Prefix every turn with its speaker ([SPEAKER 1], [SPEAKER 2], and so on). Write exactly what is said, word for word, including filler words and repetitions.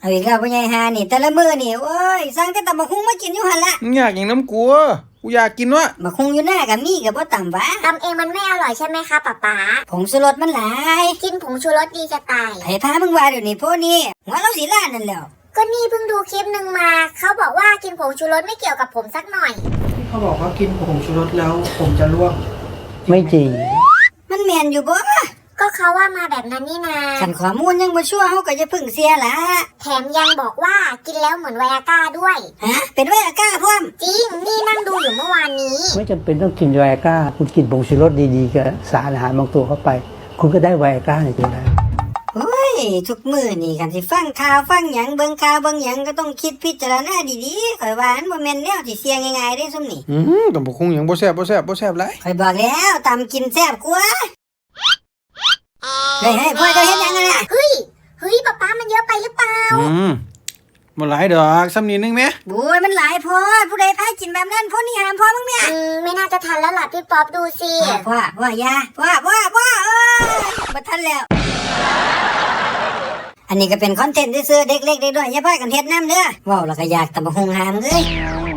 [SPEAKER 1] เอาอีกแล้วพ่อใหญ่ฮานี่แต่ละมื้อนี่โอ้ยสั่งแต่ตำบักหุ่งมากินอยู่หั่นละ
[SPEAKER 2] อยากอย่างน้ำกูกูอยากกินวะ
[SPEAKER 1] บักหุ่งอยู่หน้าก็มีก็บ่ต่ำวะ
[SPEAKER 3] ตำเองมันไม่อร่อยใช่ไหมคะป๊าป๊า
[SPEAKER 1] ผงชูรสมันหลาย
[SPEAKER 3] กินผงชูรสดีจะตาย
[SPEAKER 1] ไผพามึงว่าเดี๋ยวนี้พวกนี้หัวเราสิล้านนั่นแล้ว
[SPEAKER 3] ก็นี่เพิ่งดูคลิปหนึ่งมาเขาบอกว่ากินผงชูรสไม่เกี่ยวกับผมสักหน่อย
[SPEAKER 4] เขาบอกว่ากินผงชูรสแล้วผมจะร่วง
[SPEAKER 5] ไม่จริง
[SPEAKER 1] มันแม่นอยู่บ่
[SPEAKER 3] ก็เขาว่ามาแบบนั้นนี่นา
[SPEAKER 1] คันข้อมูลยังบ่ชัวร์เฮาก็จะพึ่งเสียละ
[SPEAKER 3] แถมยังบอกว่ากินแล้วเหมือนไวอาก้าด้วย
[SPEAKER 1] ฮะเป็นไวอาก้าพร้อม
[SPEAKER 3] จริงนี่นั่งดูอยู่เมื่อวานนี้
[SPEAKER 5] ไม่จำเป็นต้องกินไวอาก้าคุณกินผงชูรสดีๆกับสารอาหารบางตัวเข้าไปคุณก็ได้ไวอาก้าในตัวนั้น
[SPEAKER 1] โอ้ยทุกมื้อนี่คันสิฟังข่าวฟังหยังเบิ่งข่าวเบิ่งหยังก็ต้องคิดพิจารณาดีๆข่อยว่ามันบ่แม่นแนวที่เสี่ยงง่ายๆเด้ซุมนี่
[SPEAKER 2] อือตำบักหุ่งหยังบ่แซ่บบ่แซ่บบ่แซ่บหลาย
[SPEAKER 1] ข่อยบอกแล้วตำกินแซ่บกว่าเฮ้ยๆพ่อจะเฮ็ดหยังกันน่ะ
[SPEAKER 3] เฮ้ยเฮ้ยป๊าป๊ามันเยอะไปหรือเปล่า
[SPEAKER 2] อืมบ่หลายดอกซ้ำนิดนึงแม่
[SPEAKER 1] โอ้ยมันหลายพอผู้ใดพากินแบบนั้นพวกนี้ห้ามพ่อมึงแม่
[SPEAKER 3] อืมไม่น่าจะทันแล้วล่ะพี่ป๊อปดูสิ
[SPEAKER 1] พ่อพ่อยาพ่อพ่อพ่อเอ้ยบ่ทันแล้วอันนี้ก็เป็นคอนเทนต์ซื่อๆเด็กเล็กเด็กน้อยอย่าพากันเฮ็ดนำเด้อเว้าแล้วก็อยากตำบักหุ่งหามเอ้ย